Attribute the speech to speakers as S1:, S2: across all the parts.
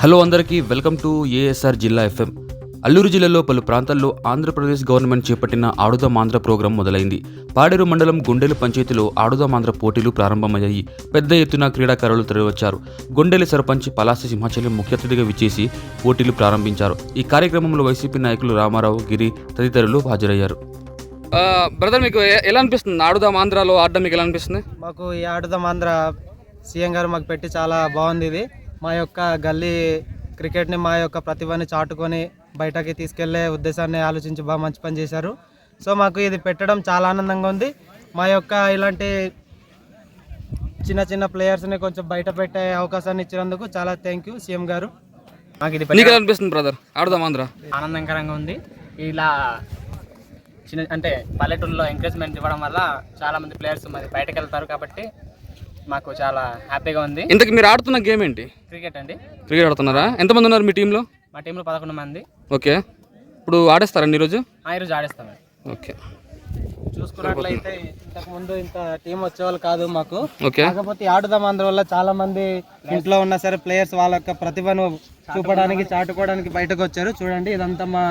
S1: Hello అందరికీ welcome to ASR జిల్లా FM. Alluru జిల్లాలో పలు ప్రాంతాల్లో ఆంధ్రప్రదేశ్ గవర్నమెంట్ చేపట్టిన ఆడుదాం ఆంధ్ర ప్రోగ్రాం మొదలైంది. పాడేరు మండలం గుండెలు పంచాయతీలో ఆడుదాం ఆంధ్ర పోటీలు ప్రారంభమయ్యాయి. పెద్ద ఎత్తున క్రీడాకారులు తరలివచ్చారు. గుండెలి సర్పంచ్ పలాసి సింహాచలం ముఖ్య అతిథిగా విచ్చేసి పోటీలు ప్రారంభించారు. ఈ కార్యక్రమంలో వైసీపీ నాయకులు రామారావు, గిరి తదితరులు హాజరయ్యారు. బ్రదర్, మీకు ఎలా అనిపిస్తుంది ఆడుదాం ఆంధ్రాలో ఆడడం? మీకు ఎలా అనిపిస్తుంది?
S2: మాకు ఈ ఆడుదాం ఆంధ్ర సీఎం గారు మాకు పెట్టి చాలా బాగుంది. ఇది మా యొక్క గల్లీ క్రికెట్ని మా యొక్క ప్రతిభని చాటుకొని బయటకి తీసుకెళ్లే ఉద్దేశాన్ని ఆలోచించి బాగా మంచి పని చేశారు. సో మాకు ఇది పెట్టడం చాలా ఆనందంగా ఉంది. మా యొక్క ఇలాంటి చిన్న చిన్న ప్లేయర్స్ని కొంచెం బయట పెట్టే అవకాశాన్ని ఇచ్చినందుకు చాలా థ్యాంక్ యూ సీఎం గారు.
S1: మాకు ఇది ఎలా అనిపిస్తుంది బ్రదర్ ఆడుదాం ఆంధ్ర?
S3: ఆనందకరంగా ఉంది. ఇలా చిన్న అంటే పల్లెటూరులో ఎంకరేజ్మెంట్ ఇవ్వడం వల్ల చాలా మంది ప్లేయర్స్ మరి బయటకు వెళ్తారు కాబట్టి మాకు చాలా హ్యాపీగా ఉంది.
S1: ఇంతకు మీరు ఆడుతున్న గేమ్ ఏంటి?
S3: క్రికెట్ అండి.
S1: క్రికెట్ ఆడుతున్నారా? ఎంతమంది ఉన్నారు మీ టీంలో?
S3: మా టీంలో 11 మంది.
S1: ఓకే, ఇప్పుడు ఆడేస్తారండి ఈరోజు?
S3: ఈరోజు ఆడేస్తాం.
S1: ఓకే,
S2: చూసుకున్నట్లయితే ఇంతకు ముందు ఇంత టీం వచ్చేవాళ్ళు కాదు మాకు.
S1: ఓకే,
S2: కాకపోతే ఆడుదాం ఆంధ్ర వల్ల చాలా మంది ఇంట్లో ఉన్నా సరే ప్లేయర్స్ వాళ్ళ యొక్క ప్రతిభను చూపడానికి చాటుకోవడానికి బయటకు వచ్చారు. చూడండి, ఇదంతా మా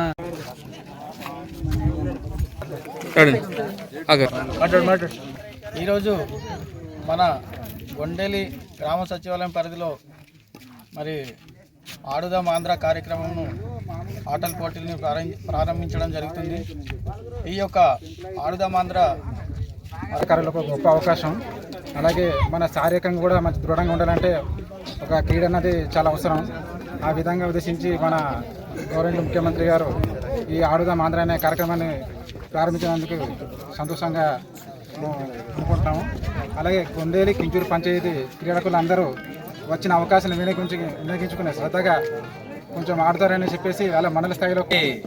S4: ఈరోజు మన గొండెలి గ్రామ సచివాలయం పరిధిలో మరి ఆడుదాం ఆంధ్ర కార్యక్రమంను ఆటల పోటీలను ప్రారంభించడం జరుగుతుంది. ఈ యొక్క ఆడుదాం ఆంధ్ర
S5: అధికారులకు ఒక గొప్ప అవకాశం. అలాగే మన శారీరకంగా కూడా మంచి దృఢంగా ఉండాలంటే ఒక క్రీడ అన్నది చాలా అవసరం. ఆ విధంగా ఉద్దేశించి మన గవర్నమెంట్ ముఖ్యమంత్రి గారు ఈ ఆడుదాం ఆంధ్ర అనే కార్యక్రమాన్ని ప్రారంభించినందుకు సంతోషంగా అనుకుంటున్నాము. అలాగే కొండేలి కించూరు పంచాయతీ క్రీడాకులు అందరూ వచ్చిన అవకాశాన్ని వినియోగించుకునే శ్రద్ధగా కొంచెం ఆడతారని చెప్పేసి వాళ్ళ మండల స్థాయిలో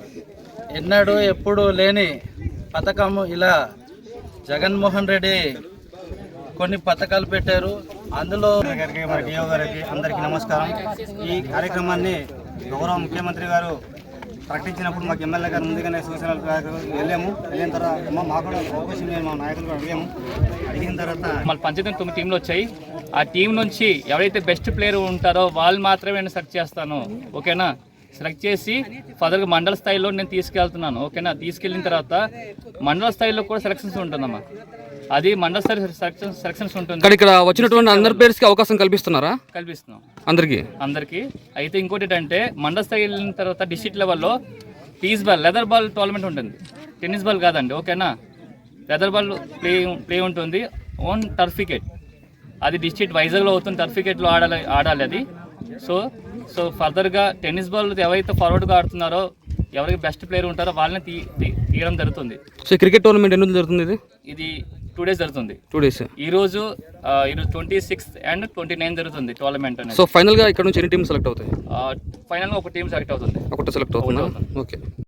S4: ఎన్నడూ ఎప్పుడూ లేని పథకము ఇలా జగన్మోహన్ రెడ్డి కొన్ని పథకాలు పెట్టారు. అందులో గారికి మరి డిఓ గారికి అందరికీ నమస్కారం. ఈ కార్యక్రమాన్ని గౌరవ ముఖ్యమంత్రి గారు ప్రకటించినప్పుడు మాకు ఎమ్మెల్యే గారు ముందుగానే సూచనలు వెళ్ళాము. వెళ్ళిన తర్వాత మాకు కూడా అవకాశం లేదు, మా నాయకులు కూడా అడిగిన తర్వాత
S3: మన పంచాయతీ 9 టీంలు వచ్చాయి. ఆ టీం నుంచి ఎవరైతే బెస్ట్ ప్లేయర్ ఉంటారో వాళ్ళు మాత్రమే నేను సెలెక్ట్ చేస్తాను. ఓకేనా? సెలెక్ట్ చేసి ఫర్దర్గా మండల స్థాయిలో నేను తీసుకెళ్తున్నాను. ఓకేనా? తీసుకెళ్ళిన తర్వాత మండల స్థాయిలో కూడా సెలక్షన్స్ ఉంటుందమ్మా. అది మండల స్థాయి సెలక్షన్స్ ఉంటుంది.
S1: ఇక్కడ వచ్చినటువంటి అందరి ప్లేయర్స్కి అవకాశం కల్పిస్తున్నారా?
S3: కల్పిస్తున్నాం అందరికీ. అయితే ఇంకోటి ఏంటంటే మండల స్థాయి వెళ్ళిన తర్వాత డిస్ట్రిక్ట్ లెవెల్లో piece ball, leather ball tournament ఉంటుంది. టెన్నిస్ బాల్ కాదండి. ఓకేనా? లెదర్ బాల్ ప్లే ఉంటుంది. ఓన్ టర్ఫ్ వికెట్, అది డిస్ట్రిక్ట్ వైజాగ్లో అవుతుంది. టర్ఫ్ వికెట్లో ఆడాలి అది. సో ఫర్దర్గా టెన్నిస్ బాల్ ఎవరైతే ఫార్వర్డ్గా ఆడుతున్నారో, ఎవరికి బెస్ట్ ప్లేయర్ ఉంటారో వాళ్ళని తీయడం జరుగుతుంది.
S1: సో క్రికెట్ టోర్నమెంట్ ఎన్ని రోజులు జరుగుతుంది?
S3: ఇది 2 days జరుగుతుంది.
S1: 2 days.
S3: ఈరోజు 26th and 29th జరుగుతుంది టోర్నమెంట్ అనేది.
S1: సో ఫైనల్గా ఇక్కడ నుంచి ఎన్ని టీమ్స్ సెలెక్ట్ అవుతాయి?
S3: ఫైనల్గా ఒక టీం సెలెక్ట్ అవుతుంది.
S1: ఒకటి సెలెక్ట్ అవుతుందా? ఓకే.